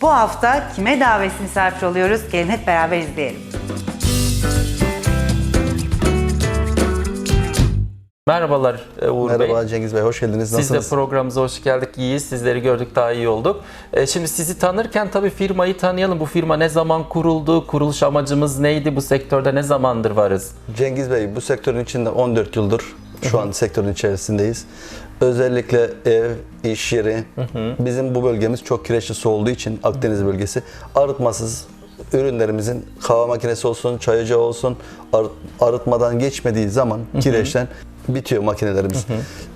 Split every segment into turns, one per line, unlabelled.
Bu hafta kime davetini misafir oluyoruz? Gelin hep beraber izleyelim.
Merhabalar Uğur Bey.
Merhaba Cengiz Bey, hoş geldiniz. Nasılsınız?
Siz de programımıza hoş geldik. İyiyiz. Sizleri gördük, daha iyi olduk. Şimdi sizi tanırken tabii firmayı tanıyalım. Bu firma ne zaman kuruldu? Kuruluş amacımız neydi? Bu sektörde ne zamandır varız?
Cengiz Bey, bu sektörün içinde 14 yıldır şu an sektörün içerisindeyiz. Özellikle ev, iş yeri, bizim bu bölgemiz çok kireçli su olduğu için Akdeniz bölgesi arıtmasız ürünlerimizin kahve makinesi olsun, çay ocağı olsun arıtmadan geçmediği zaman kireçten bitiyor makinelerimiz.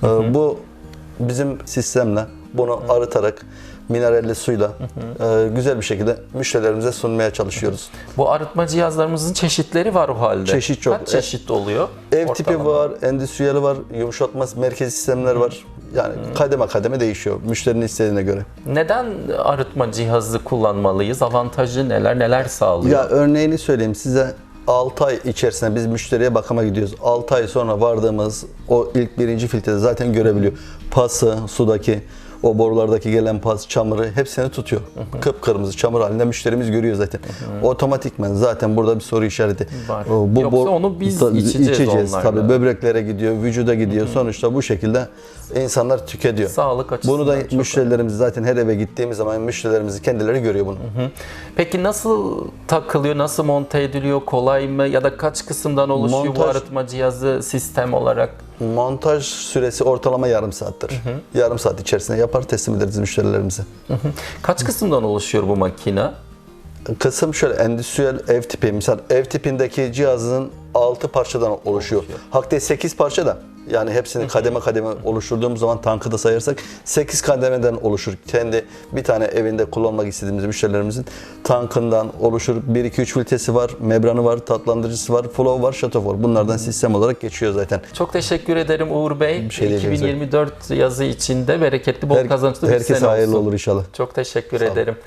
Bu bizim sistemle bunu arıtarak mineralli suyla güzel bir şekilde müşterilerimize sunmaya çalışıyoruz.
Bu arıtma cihazlarımızın çeşitleri var o halde.
Çeşit çok.
Kaç çeşit oluyor?
Ev tipi
ortalama?
var, endüstriyeli var, yumuşatma merkezi sistemler var. Yani kademe kademe değişiyor müşterinin istediğine göre.
Neden arıtma cihazı kullanmalıyız? Avantajı neler sağlıyor?
Ya örneğini söyleyeyim size. 6 ay içerisinde biz müşteriye bakıma gidiyoruz. 6 ay sonra vardığımız o ilk birinci filtrede zaten görebiliyor. Pası, sudaki, o borulardaki gelen pas, çamuru hepsini tutuyor. Kıpkırmızı çamur halinde müşterimiz görüyor zaten. Otomatikman zaten burada bir soru işareti.
Var. Yoksa onu biz içeceğiz onlarla.
Tabii böbreklere gidiyor, vücuda gidiyor. Sonuçta bu şekilde insanlar tüketiyor.
Sağlık açısından
Bunu da
çok
müşterilerimiz zaten her eve gittiğimiz zaman müşterilerimiz kendileri görüyor bunu.
Peki nasıl takılıyor, nasıl monte ediliyor, kolay mı ya da kaç kısımdan oluşuyor bu arıtma cihazı sistem olarak?
Montaj süresi ortalama yarım saattir. Yarım saat içerisinde yapar, teslim ederiz müşterilerimize.
Kaç kısımdan oluşuyor bu makine?
Kısım şöyle, endüstriyel ev tipi. Misal ev tipindeki cihazın 6 parçadan oluşuyor. Hatta 8 parça da. Yani hepsini kademe kademe oluşturduğumuz zaman tankı da sayarsak 8 kademeden oluşur. Kendi bir tane evinde kullanmak istediğimiz müşterilerimizin tankından oluşur. 1-2-3 filtresi var, membranı var, tatlandırıcısı var, flow var, shut-off var. Bunlardan sistem olarak geçiyor zaten.
Çok teşekkür ederim Uğur Bey.
Bir şey diyeceğim.
2024 yazı içinde bereketli, bol kazançlı bir sene olsun.
Herkese hayırlı olur inşallah.
Çok teşekkür ederim.